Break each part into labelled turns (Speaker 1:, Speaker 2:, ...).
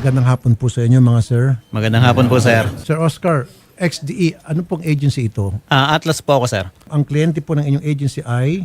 Speaker 1: Magandang hapon po sa inyo mga sir.
Speaker 2: Magandang hapon po, sir.
Speaker 1: Sir Oscar, XDE, ano pong agency ito?
Speaker 2: Atlas po ako, sir.
Speaker 1: Ang kliyente po ng inyong agency ay...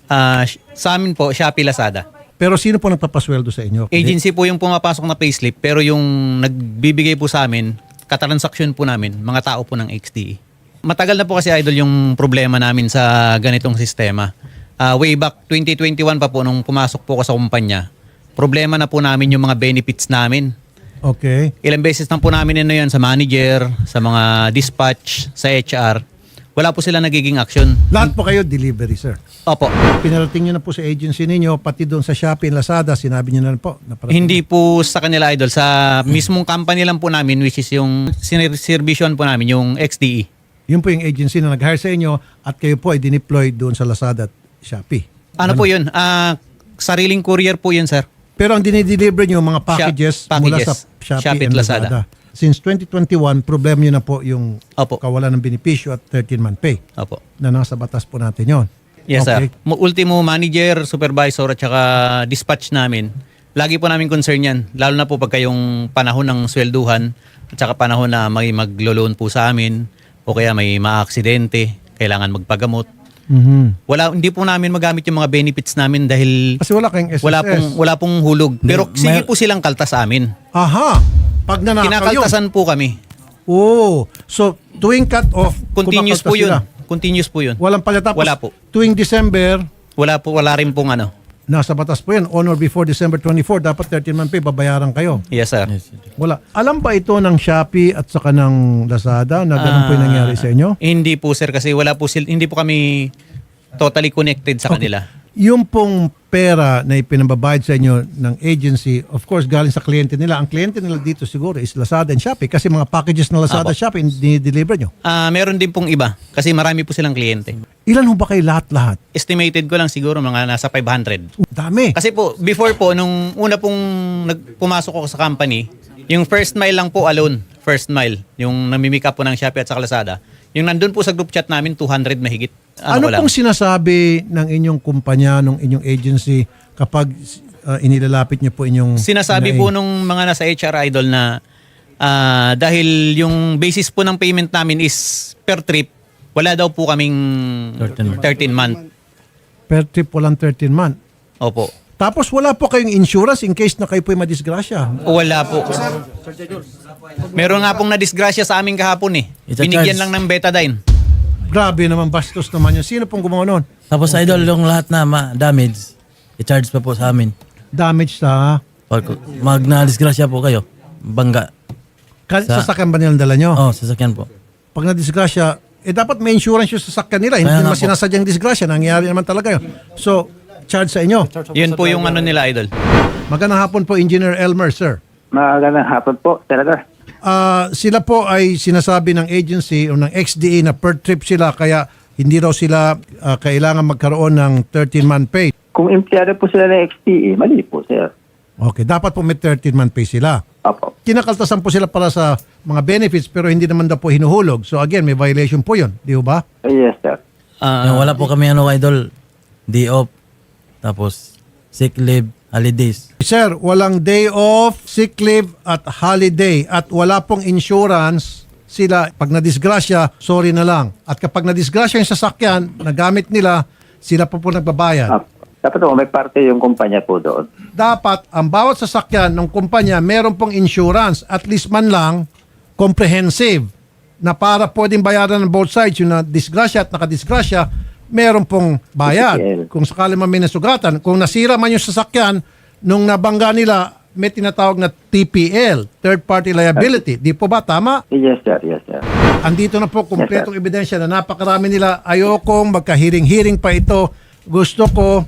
Speaker 2: Sa amin po, Shopee Lazada.
Speaker 1: Pero sino po nagpapasweldo sa inyo?
Speaker 2: Agency po yung pumapasok na payslip, pero yung nagbibigay po sa amin, katransaksyon po namin, mga tao po ng XDE. Matagal na po kasi, Idol, yung problema namin sa ganitong sistema. Way back 2021 pa po, nung pumasok po ako sa kumpanya, problema na po namin yung mga benefits namin.
Speaker 1: Okay.
Speaker 2: Ilang beses na po namin yan sa manager, sa mga dispatch, sa HR. Wala po sila nagiging action.
Speaker 1: Lahat po kayo delivery, sir.
Speaker 2: Opo.
Speaker 1: Pinarating nyo na po sa agency ninyo, pati doon sa Shopee and Lazada, sinabi nyo na po.
Speaker 2: Hindi po sa kanila, Idol. Sa mismong company lang po namin, which is yung sinervisyon po namin, yung XDE.
Speaker 1: Yun po yung agency na nag-hire sa inyo at kayo po ay dineploy doon sa Lazada at Shopee.
Speaker 2: Ano po yun? Sariling courier po yun, sir.
Speaker 1: Pero ang dinideliver nyo, mga packages, mula sa Shopee and Lazada. Since 2021, problem nyo na po yung
Speaker 2: Opo.
Speaker 1: kawalan ng benepisyo at 13-month pay
Speaker 2: Opo.
Speaker 1: na nasa batas po natin yon.
Speaker 2: Yes,
Speaker 1: Okay.
Speaker 2: sir. Ultimo manager, supervisor at saka dispatch namin. Lagi po namin concern yan. Lalo na po pagka yung panahon ng swelduhan at saka panahon na may maglo-loan po sa amin o kaya may maaksidente, kailangan magpagamot. Hindi po namin magamit yung mga benefits namin dahil
Speaker 1: Kasi wala kayong SSS.
Speaker 2: wala pong hulog. Pero sige po silang kaltas sa amin.
Speaker 1: Aha! Pag nanakaw yun.
Speaker 2: Kinakaltasan po kami.
Speaker 1: Oh, so tuwing cut off,
Speaker 2: Continuous po
Speaker 1: kumakaltas
Speaker 2: yun.
Speaker 1: sila.
Speaker 2: Continuous po yun.
Speaker 1: Walang pala. Tapos
Speaker 2: Wala po.
Speaker 1: tuwing December,
Speaker 2: Wala rin pong ano.
Speaker 1: nasa batas po yan. On or before December 24, dapat 13-month pay, babayaran kayo.
Speaker 2: Yes, sir.
Speaker 1: Wala. Alam ba ito ng Shopee at saka ng Lazada na ganun po yung nangyari sa inyo?
Speaker 2: Hindi po, sir, kasi hindi po kami totally connected sa kanila.
Speaker 1: Yung pong pera na ipinababayad sa inyo ng agency, of course, galing sa kliyente nila. Ang kliyente nila dito siguro is Lazada and Shopee kasi mga packages na Lazada at Shopee dinideliver nyo.
Speaker 2: Meron din pong iba kasi marami po silang kliyente.
Speaker 1: Ilan ho ba kayo lahat-lahat?
Speaker 2: Estimated ko lang siguro mga nasa 500.
Speaker 1: Dami.
Speaker 2: Kasi po, before po, nung una pong pumasok ako sa company, yung first mile lang po alone, first mile, yung namimika po ng Shopee at sa Lazada, yung nandun po sa group chat namin, 200 mahigit.
Speaker 1: Ano pong sinasabi ng inyong kumpanya, ng inyong agency kapag inilalapit niyo po inyong...
Speaker 2: Sinasabi po nung mga nasa HR, Idol, na dahil yung basis po ng payment namin is per trip, wala daw po kaming 13 month.
Speaker 1: Per trip walang 13 month.
Speaker 2: Opo.
Speaker 1: Tapos wala po kayong insurance in case na kayo po'y madisgrasya.
Speaker 2: Wala po. Meron nga pong nadisgrasya sa amin kahapon eh. Binigyan lang ng betadine.
Speaker 1: Grabe naman, bastos naman yun. Sino pong gumawa nun?
Speaker 3: Tapos idol, yung lahat na damage, i-charge pa po sa amin.
Speaker 1: Damage sa...
Speaker 3: Pag na-disgrasya po kayo, bangga.
Speaker 1: Sasakyan ba nilang dala nyo?
Speaker 3: Oh, sasakyan po.
Speaker 1: Pag na-disgrasya, dapat may insurance yung sasakyan nila. Hindi
Speaker 3: Kaya
Speaker 1: naman
Speaker 3: nga po.
Speaker 1: sinasadyang disgrasya. Nangyayari naman talaga yun. So, charge sa inyo.
Speaker 2: Yun po yung ano nila, Idol.
Speaker 1: Magandang hapon po, Engineer Elmer, sir.
Speaker 4: Magandang hapon po, Senator.
Speaker 1: Sila po ay sinasabi ng agency o ng XDE na per trip sila kaya hindi raw sila kailangan magkaroon ng 13-month pay.
Speaker 4: Kung empleyado po sila ng XTE, mali po, sir.
Speaker 1: Okay, dapat po may 13-month pay sila.
Speaker 4: Opo.
Speaker 1: Kinakaltasan po sila para sa mga benefits pero hindi naman daw po hinuhulog. So again, may violation po yun. Di ba?
Speaker 4: Yes, sir.
Speaker 3: Yung wala po kami idol, day off, tapos sick leave, holidays.
Speaker 1: Sir, walang day off, sick leave at holiday at wala pong insurance sila. Pag nadisgrasya, sorry na lang. At kapag nadisgrasya yung sasakyan, nagamit nila, sila po nagbabayad.
Speaker 4: Dapat po may parte yung kumpanya po doon.
Speaker 1: Dapat ang bawat sasakyan ng kumpanya meron pong insurance, at least man lang comprehensive na para pwedeng bayaran ng both sides, yung na-disgrasya at nakadisgrasya, meron pong bayad.
Speaker 4: TPL.
Speaker 1: Kung sakali man may nasugatan, kung nasira man yung sasakyan, nung nabangga nila, may tinatawag na TPL, third party liability. Di po ba? Tama?
Speaker 4: Yes, sir. Yes, sir.
Speaker 1: Andito na po kumpletong ebidensya na napakarami nila. Ayokong magkahiring-hiring pa ito. Gusto ko,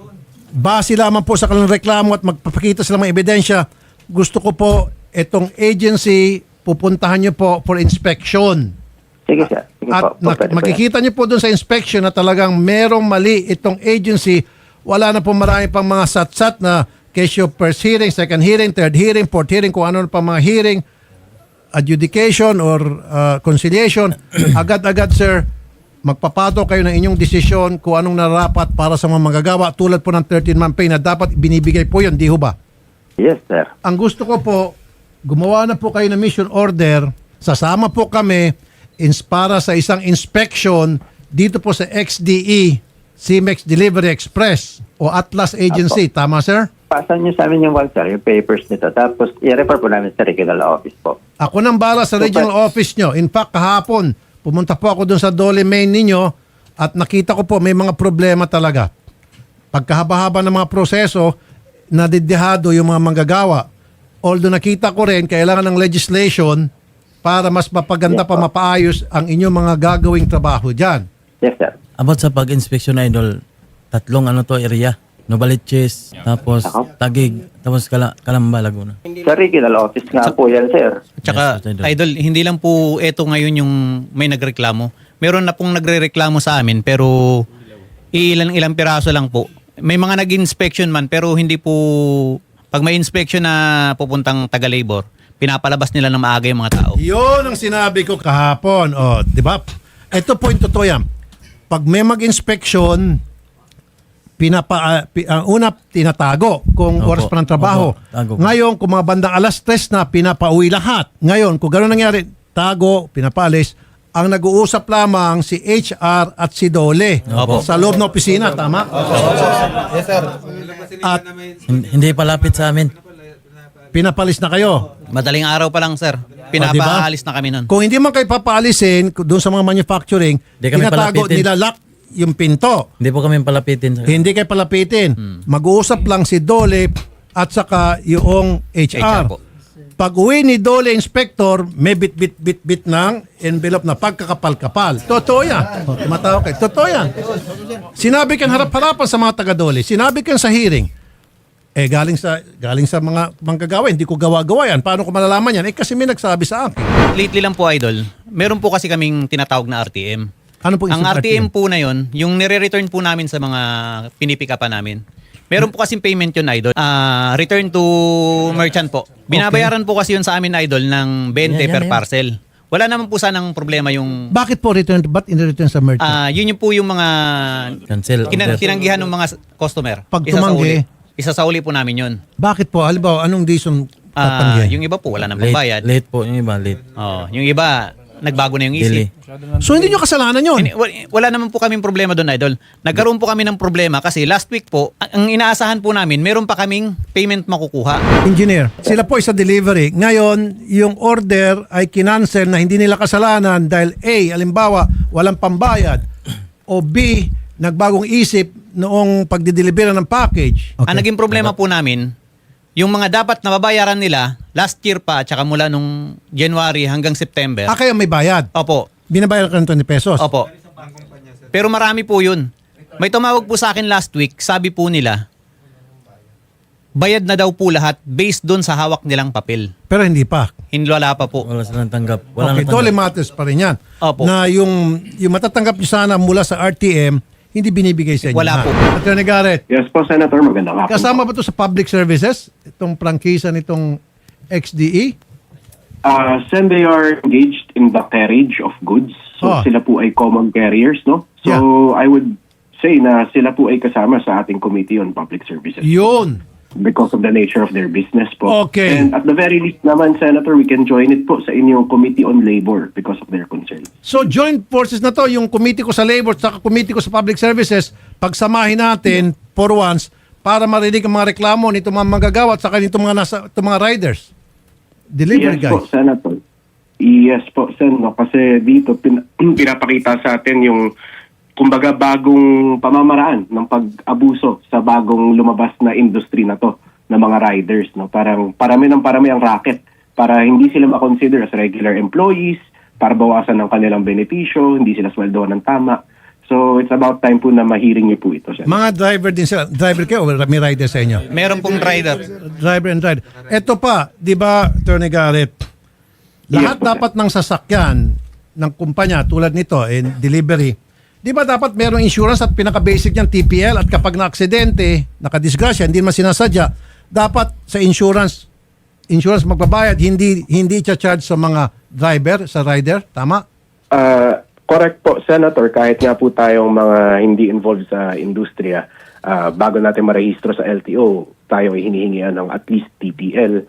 Speaker 1: base lamang po sa kanilang reklamo at magpapakita sila ng ebidensya, gusto ko po itong agency, pupuntahan nyo po for inspection.
Speaker 4: Sige, sir. Sige
Speaker 1: At
Speaker 4: po. Pwede po yan.
Speaker 1: makikita nyo po doon sa inspection na talagang merong mali itong agency. Wala na po marami pang mga satsat na case of first hearing, second hearing, third hearing, fourth hearing, kung ano pa mga hearing, adjudication or conciliation. Agad-agad, sir, magpapato kayo ng inyong desisyon kung anong narapat para sa mga manggagawa tulad po ng 13-month pay na dapat binibigay po yun, di ho ba?
Speaker 4: Yes, sir.
Speaker 1: Ang gusto ko po, gumawa na po kayo ng mission order, sasama po kami para sa isang inspection dito po sa XDE, CMEX Delivery Express o Atlas Agency. Tama, sir?
Speaker 4: Pasan niyo sa amin yung sir, yung papers nito. Tapos i-refer po namin sa regional office po.
Speaker 1: Ako nang bala sa regional office nyo. In fact, kahapon, pumunta po ako dun sa Dole Main ninyo at nakita ko po may mga problema talaga. Pagkahaba-haba ng mga proseso, nadidihado yung mga manggagawa. Although nakita ko rin, kailangan ng legislation para mas mapaganda pa, mapaayos ang inyong mga gagawing trabaho dyan.
Speaker 4: Yes, sir.
Speaker 3: About sa pag-inspection, Idol, 3 area. Novaliches, tapos Tagig, tapos Calamba, Laguna.
Speaker 4: Sa regional office nga po yan, sir.
Speaker 2: Tsaka,
Speaker 3: Yes,
Speaker 2: Idol, hindi lang po eto ngayon yung may nagreklamo. Meron na pong nagre-reklamo sa amin pero ilang piraso lang po. May mga nag-inspection man pero hindi po, pag may inspection na pupuntang taga-labor, pinapalabas nila ng maaga yung mga tao.
Speaker 1: Yun ang sinabi ko kahapon. O, di ba? Ito po yung totoo yan. Pag may mag-inspection, una tinatago kung
Speaker 3: Opo.
Speaker 1: oras pa ng trabaho.
Speaker 3: Opo. Tago.
Speaker 1: Ngayon, kung mga bandang alas 3 na, pinapauwi lahat. Ngayon, kung gano'n nangyari, tago, pinapaalis, ang nag-uusap lamang si HR at si Dole
Speaker 2: Opo.
Speaker 1: sa loob ng opisina, tama? At
Speaker 3: Hindi palapit sa amin.
Speaker 1: pinapalis na kayo.
Speaker 2: Madaling araw pa lang, sir. Pinapaalis na kami nun.
Speaker 1: Kung hindi man kayo papaalisin doon sa mga manufacturing,
Speaker 3: Hindi kami
Speaker 1: tinatago,
Speaker 3: palapitin.
Speaker 1: nilalak yung pinto.
Speaker 3: Hindi po kami palapitin.
Speaker 1: Hindi kayo palapitin. Mag-uusap lang si Dole at saka yung HR.
Speaker 2: HR po.
Speaker 1: Pag uwi ni Dole Inspector, may bit ng envelope na pagkakapal-kapal. Totoo yan. Tumatawa kayo. Totoo yan. Sinabi kan harap-harapan sa mga taga-Dole. Sinabi kan sa hearing. Galing sa mga manggagawa. Hindi ko gawa-gawa yan. Paano ko malalaman yan? Kasi may nagsabi sa akin.
Speaker 2: Lately lang po, Idol, meron po kasi kaming tinatawag na RTM.
Speaker 1: Ano po
Speaker 2: Ang
Speaker 1: isang
Speaker 2: RTM po na yon, yung nire-return po namin sa mga pinipikapan namin. Meron po kasing payment yun, Idol. Return to merchant po. Binabayaran po kasi yun sa amin, Idol, ng 20 per parcel. Wala naman po sanang problema yung...
Speaker 1: Bakit po return? Ba't in-return sa merchant?
Speaker 2: Yun yung po yung mga
Speaker 3: Cancel.
Speaker 2: tinanggihan ng mga customer.
Speaker 1: Pag tumanggi?
Speaker 2: Isa sa uli po namin yun.
Speaker 1: Bakit po? Halimbawa, anong reason tatanggihan?
Speaker 2: Yung iba po, wala nang pambayad.
Speaker 3: Late po yung iba, late.
Speaker 2: Yung iba, nagbago na yung
Speaker 3: Delay.
Speaker 2: isip.
Speaker 1: So hindi nyo kasalanan yun?
Speaker 2: Wala naman po kaming problema doon, Idol. Nagkaroon po kami ng problema kasi last week po, ang inaasahan po namin, meron pa kaming payment makukuha.
Speaker 1: Engineer, sila po ay sa delivery. Ngayon, yung order ay kinancel na hindi nila kasalanan dahil A, halimbawa, walang pambayad o B, nagbagong isip noong pagdideliver ng package.
Speaker 2: Ang naging problema po namin, yung mga dapat nababayaran nila last year pa at saka mula nung January hanggang September.
Speaker 1: Kaya may bayad.
Speaker 2: Opo.
Speaker 1: Binabayad ka ng 20 pesos.
Speaker 2: Opo. Pero marami po yun. May tumawag po sa akin last week, sabi po nila, bayad na daw po lahat based doon sa hawak nilang papel.
Speaker 1: Pero hindi pa.
Speaker 2: Hindi wala pa po.
Speaker 3: Wala silang tanggap. Wala
Speaker 1: Okay,
Speaker 3: na
Speaker 1: totally
Speaker 3: tanggap.
Speaker 1: matters pa rin yan.
Speaker 2: Opo.
Speaker 1: Na yung matatanggap nyo sana mula sa RTM, hindi binibigay sa inyo.
Speaker 2: Wala
Speaker 1: ha?
Speaker 2: po.
Speaker 1: Attorney Garrett,
Speaker 5: Yes po, Senator. Magandang hapon.
Speaker 1: kasama ba ito sa public services? Itong prangkisa nitong XDE?
Speaker 5: Sen, they are engaged in the carriage of goods. So sila po ay common carriers, no? So I would say na sila po ay kasama sa ating Committee on Public Services
Speaker 1: Yun.
Speaker 5: because of the nature of their business po.
Speaker 1: Okay.
Speaker 5: And at the very least naman, Senator, we can join it po sa inyong Committee on Labor because of their concerns.
Speaker 1: So joint forces na to, yung committee ko sa labor at committee ko sa public services, pagsamahin natin for once para marinig ang mga reklamo nito mga manggagawa at saka nito mga riders. Delivery
Speaker 5: Yes po,
Speaker 1: guys.
Speaker 5: Senator. Yes po, Sen. No? Kasi dito pinapakita sa atin yung kumbaga bagong pamamaraan ng pag-abuso sa bagong lumabas na industry na to ng mga riders. No? Parang parami ang racket para hindi sila makonsider as regular employees, para bawasan ng kanilang benepisyo, hindi sila sweldoan ng tama. So it's about time po na mahiring niyo po ito, Sen.
Speaker 1: Mga driver din sila. Driver kayo o may rider sa inyo?
Speaker 2: Meron pong rider.
Speaker 1: Driver and rider. Ito pa, di ba, Attorney Garrett, lahat
Speaker 5: Yes, po,
Speaker 1: dapat ng sasakyan ng kumpanya tulad nito in delivery, di ba dapat merong insurance at pinaka-basic niyan TPL at kapag na-aksidente, nakadisgrasya, hindi man sinasadya, dapat sa insurance magbabayad, hindi i-charge sa mga driver, sa rider, tama?
Speaker 5: Correct po, Senator. Kahit nga po tayong mga hindi involved sa industriya, bago natin marehistro sa LTO, tayo ay hinihingian ng at least TPL.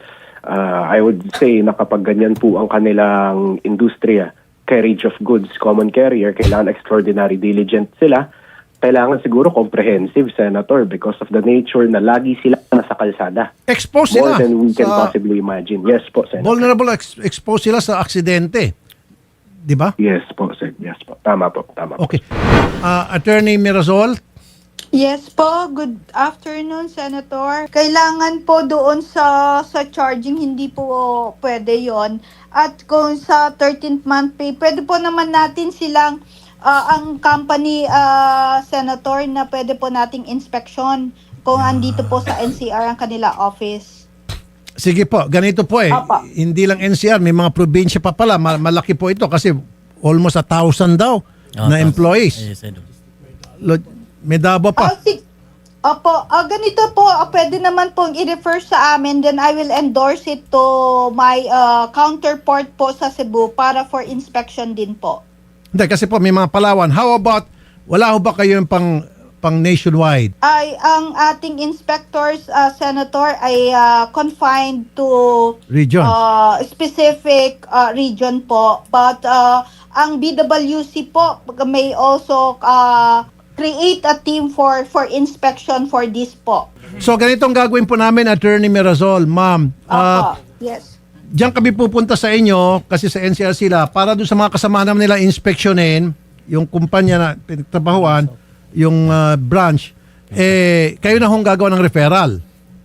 Speaker 5: I would say na kapag ganyan po ang kanilang industriya, carriage of goods, common carrier, kailangan extraordinary diligent sila. Kailangan siguro comprehensive, Senator, because of the nature na lagi sila nasa kalsada.
Speaker 1: Expose
Speaker 5: More
Speaker 1: sila
Speaker 5: than we can
Speaker 1: sa
Speaker 5: possibly imagine. Yes po, Senator.
Speaker 1: vulnerable, expose sila sa aksidente. Di ba?
Speaker 5: Yes po, Sen. Yes po. Tama po. Tama po.
Speaker 1: Okay. Attorney Mirazol,
Speaker 6: Yes po, good afternoon, Senator. Kailangan po doon sa charging, hindi po pwede yon. At kung sa 13th month pay, pwede po naman natin silang, ang company, Senator, na pwede po nating inspection kung andito po sa NCR ang kanila office.
Speaker 1: sige po, ganito po
Speaker 6: Apa.
Speaker 1: Hindi lang NCR, may mga probinsya pa pala. Malaki po ito kasi almost 1,000 daw na employees.
Speaker 3: Yes, Idol.
Speaker 1: May Davao pa.
Speaker 6: Opo, ganito po, pwede naman pong i-refer sa amin, then I will endorse it to my counterpart po sa Cebu para for inspection din po.
Speaker 1: Hindi, kasi po may mga Palawan. How about, wala ho ba kayo yung pang nationwide?
Speaker 6: Ang ating inspectors, Senator, ay confined to
Speaker 1: Region.
Speaker 6: specific region po. But ang BWC po may also create a team for inspection for this po.
Speaker 1: So ganitong gagawin po namin, Attorney Mirazol, ma'am.
Speaker 6: Yes.
Speaker 1: Diyan kami pupunta sa inyo kasi sa NCR sila para doon sa mga kasama naman nila inspeksyonin yung kumpanya na pinagtrabahuan, yung branch, kayo na hong gagawa ng referral.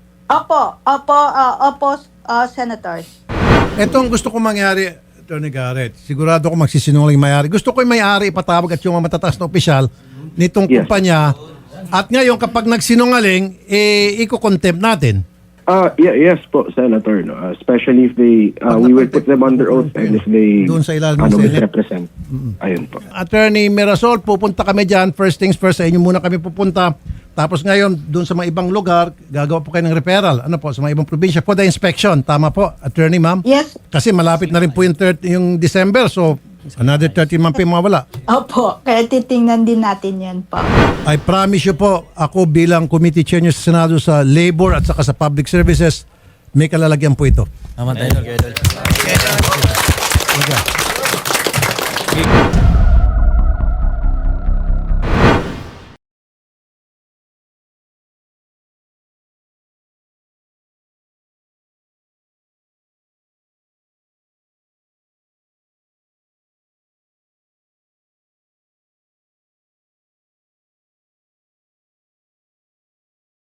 Speaker 6: Opo, Senators.
Speaker 1: Etong gusto ko mangyari, Attorney Garrett, sigurado ko magsisinungaling may-ari. Gusto ko yung may-ari ipatawag at yung mga matataas na opisyal nitong
Speaker 5: Yes.
Speaker 1: kumpanya. At ngayon, kapag nagsinungaling, iko-contempt natin.
Speaker 5: Yes po, Senator. No? Especially if they, we will put them under oath and if they
Speaker 1: Doon sa ilalim ng Senate.
Speaker 5: misrepresent. Ayun po.
Speaker 1: Attorney Mirazol, pupunta kami dyan. First things first, sa inyo muna kami pupunta. Tapos ngayon, doon sa mga ibang lugar, gagawa po kayo ng referral. Ano po, sa mga ibang probinsya for the inspection. Tama po, Attorney, ma'am?
Speaker 6: Yes.
Speaker 1: Kasi malapit na rin po yung December, so another 30 month pa yung mawala.
Speaker 6: Opo, kaya titingnan din natin yan po.
Speaker 1: I promise you po, ako bilang committee chair nyo sa Senado sa Labor at saka sa Public Services, may kalalagyan po ito.
Speaker 3: Tama tayo.
Speaker 1: Okay.